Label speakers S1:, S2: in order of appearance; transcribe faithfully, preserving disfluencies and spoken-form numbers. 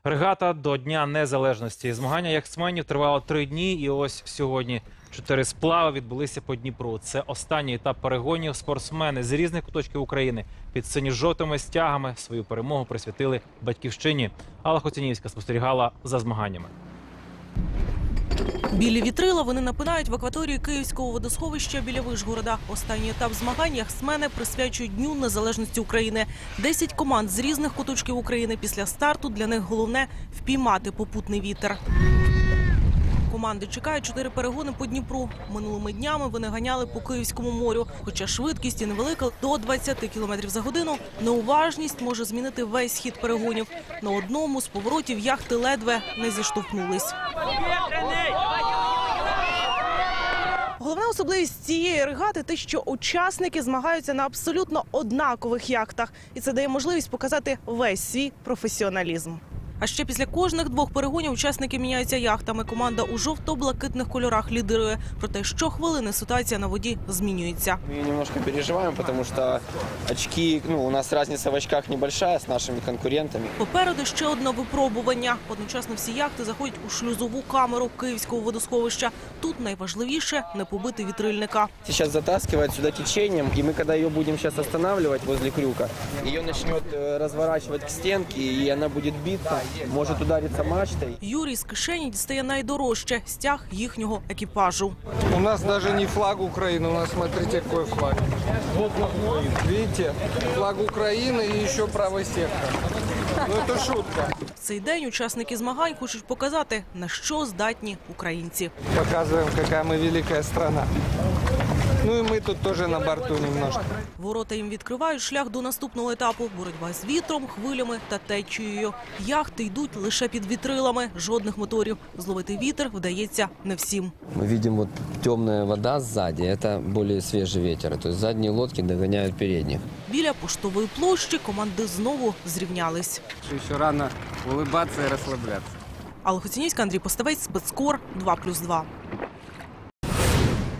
S1: Регата до Дня Незалежності. Змагання яхтсменів тривало три дні, і ось сьогодні чотири сплави відбулися по Дніпру. Це останній етап перегонів. Спортсмени з різних куточків України під синьо-жовтими стягами свою перемогу присвятили батьківщині. Алла Хоцянівська спостерігала за змаганнями.
S2: Білі вітрила вони напинають в акваторії Київського водосховища біля Вишгорода. Останній етап змагань яхтсмени присвячують Дню Незалежності України. Десять команд з різних куточків України. Після старту для них головне – впіймати попутний вітер. Команди чекають чотири перегони по Дніпру. Минулими днями вони ганяли по Київському морю. Хоча швидкість і невелика – до двадцяти кілометрів за годину, неуважність може змінити весь хід перегонів. На одному з поворотів яхти ледве не зіштовхнулись. Головна особливість цієї регати – те, що учасники змагаються на абсолютно однакових яхтах. І це дає можливість показати весь свій професіоналізм. А ще після кожних двох перегонів учасники міняються яхтами. Команда у жовто-блакитних кольорах лідирує. Проте щохвилини ситуація на воді змінюється.
S3: Ми немножко переживаємо, тому що очки, ну, у нас різниця в очках небольшая з нашими конкурентами.
S2: Попереду ще одне випробування. Одночасно всі яхти заходять у шлюзову камеру Київського водосховища. Тут найважливіше – не побити вітрильника.
S3: Зараз затаскивають сюди течением, і ми, коли її будемо зараз останавливати возле крюка, її почнуть розворачувати к стінці, і вона буде битися. Може ударитися мачтою.
S2: Юрій з кишені дістає найдорожче – стяг їхнього екіпажу.
S4: У нас навіть не флаг України, у нас, смотрите, який флаг. Видите, флаг України і ще правий сектор. Ну, це шутка.
S2: В цей день учасники змагань хочуть показати, на що здатні українці.
S4: Показуємо, яка ми велика країна. Ну і ми тут теж на борту немножко.
S2: Ворота їм відкривають шлях до наступного етапу. Боротьба з вітром, хвилями та течією. Яхти йдуть лише під вітрилами, жодних моторів. Зловити вітер вдається не всім.
S5: Мы видим вот темная вода сзади, это более свежий ветер, то есть задние лодки догоняют передних.
S2: Біля поштової площі команди знову зрівнялись.
S4: Ще рано улыбатися і розслаблятися.
S2: Алла Хоцянівська, Андрій Поставець, Спецкор, два плюс два.